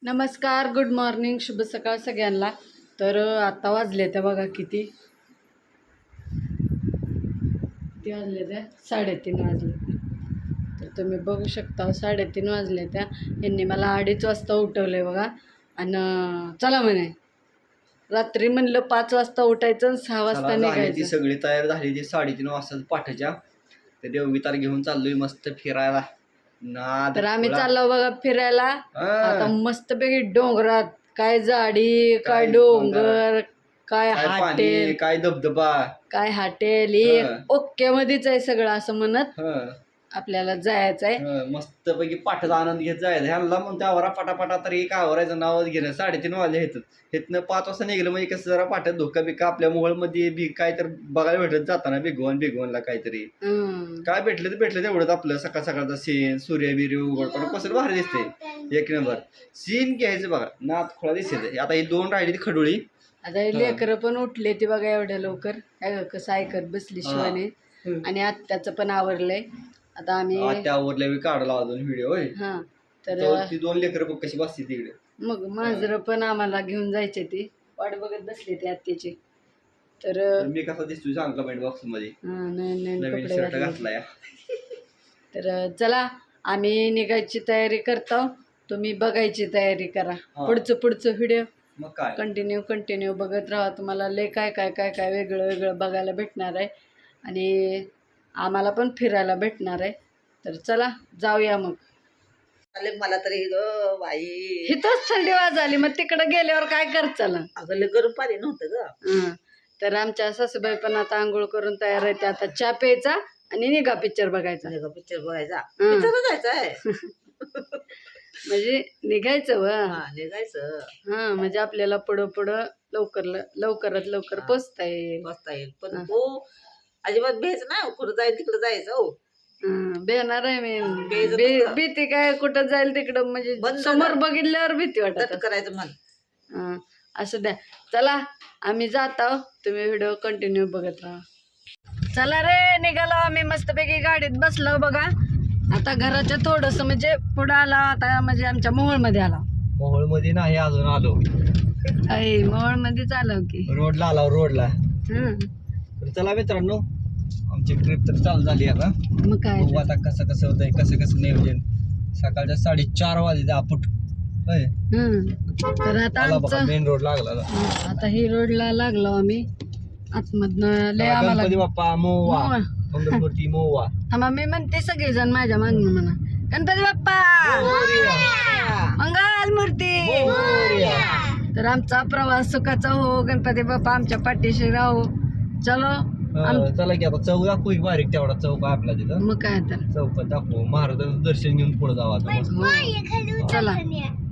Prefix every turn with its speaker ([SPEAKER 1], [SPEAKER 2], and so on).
[SPEAKER 1] नमस्कार, good morning, शुभ सकाळ सगळ्यांना. तर आता वाजले त्या बघा किती वाजले त्या 3:30 वाजले. तर तुम्ही बघू शकता 3:30 वाजले त्या. यांनी मला 2:30 वाजता उठवले बघा. आणि चला म्हणे रात्री म्हणलं 5 वाजता उठायचं आणि 6 वाजता निघायचं.
[SPEAKER 2] ती सगळी तयार झाली. ती 3:30 वाजता पाठच्या ते देवगीतार घेऊन चाललोय मस्त फिरायला.
[SPEAKER 1] तर आम्ही चाललो बघा फिरायला. आता मस्तपैकी डोंगरात काय झाडी, काय डोंगर, काय हॉटेल,
[SPEAKER 2] काय धबधबा,
[SPEAKER 1] काय हॉटेल, ओके मध्येच आहे सगळं असं म्हणत आपल्याला जायचं आहे.
[SPEAKER 2] मस्त पैकी पाठाचा आनंद घेत जायचं. ह्याला मग त्यावर पाटापाटा तर एक आवरायचं नावच घेणं. 3:30 वाजले हेतनं 5 वाजता निघलं म्हणजे कसं जरा पाठ्यात धोका बिका आपल्या मोबाईलमध्ये काय तर बघायला भेटत जाताना भिगवणला काहीतरी काय भेटलं तर भेटलं तेवढंच. आपलं सकाळ सकाळचा सीन सूर्य बिर्य उघडपण कसं भारी दिसते. एक नंबर सीन घ्यायचं बघा. नात खोळा दिसते. आता ही 2 राहिली ती खडोळी.
[SPEAKER 1] आता लेकरं पण उठले ती बघा एवढ्या लवकर. कसं ऐकत बसली शिवाने. आणि आत्याचं पण आवरलंय. आता आम्ही
[SPEAKER 2] त्यावरल्या काढला अजून व्हिडिओ. तर ती 2 लेकरं बघ कशी बसते तिकडे.
[SPEAKER 1] मग मांजरं पण आम्हाला घेऊन जायचे. ती वाट बघत बसली ती आत्याची. तर
[SPEAKER 2] मी कसा दिसतोय सांग कमेंट बॉक्स मध्ये.
[SPEAKER 1] नवीन
[SPEAKER 2] शर्ट घातलाय.
[SPEAKER 1] तर चला आम्ही निघायची तयारी करतो. तुम्ही बघायची तयारी करा. पुढचं व्हिडिओ
[SPEAKER 2] मग काय
[SPEAKER 1] कंटिन्यू बघत राहा. तुम्हाला लय काय काय काय काय वेगळं बघायला भेटणार आहे. आणि आम्हाला पण फिरायला भेटणार आहे. तर चला जाऊया मग.
[SPEAKER 3] मला तरी ग बाई
[SPEAKER 1] इथंच थंडी वाजली. मग तिकडे गेल्यावर काय करत चला.
[SPEAKER 3] अगं लय गरम पाणी नव्हतं ग.
[SPEAKER 1] तर आमच्या सासूबाई पण आता आंघोळ करून तयार आहे. आता चहा प्यायचा आणि निघा पिक्चर बघायचा.
[SPEAKER 3] पिक्चर बघायचा. पिक्चर बघायचा
[SPEAKER 1] म्हणजे निघायचं
[SPEAKER 3] निघायचं.
[SPEAKER 1] म्हणजे आपल्याला पुढं लवकरात लवकर पोचता येईल.
[SPEAKER 3] पण तो अजिबात भेज ना कुठं जाईल तिकडं जायचं.
[SPEAKER 1] बेणार आहे मी. भीती काय कुठं जाईल तिकडं म्हणजे समोर बघितल्यावर भीती वाटत
[SPEAKER 3] करायचं मन.
[SPEAKER 1] असं द्या. चला आम्ही जात आहोत. तुम्ही व्हिडिओ कंटिन्यू बघत राहा. चला रे निघालो आम्ही. मस्तपैकी गाडीत बसलो बघा. आता घराच्या थोडस म्हणजे पुढं आला. आता म्हणजे आमच्या मोहोळमध्ये आला.
[SPEAKER 2] मोहोळमध्ये नाही अजून आलो.
[SPEAKER 1] मोहोळमध्येच आलो की
[SPEAKER 2] रोडला आला. रोडला तर चला मित्रांनो आमची ट्रिप तर चालू झाली आता.
[SPEAKER 1] मग काय
[SPEAKER 2] बघू आता कसं होतंय कसं नियोजन. सकाळच्या 4:30 वाजले आपण.
[SPEAKER 1] तर आता आमचं
[SPEAKER 2] मेन रोड लागला.
[SPEAKER 1] आता ही रोडला लागलो आम्ही. आतमधनं लय आम्हाला
[SPEAKER 2] गणपती बाप्पा मोवा मंगलमूर्ती मोवा.
[SPEAKER 1] थांबा मी म्हणते सगळेजण माझ्या मागणं म्हणा गणपती बाप्पा मंगल मूर्ती. तर आमचा प्रवास सुखाचा हो. गणपती बाप्पा आमच्या पाठीशी राहू. चलो
[SPEAKER 2] चला की आता चौक दाखवू बारीक तेवढा चौक आहे आपला तिथं.
[SPEAKER 1] मग काय तर
[SPEAKER 2] चौकात दाखवू. महाराजांचं दर्शन घेऊन पुढे जावं आता.
[SPEAKER 1] चला.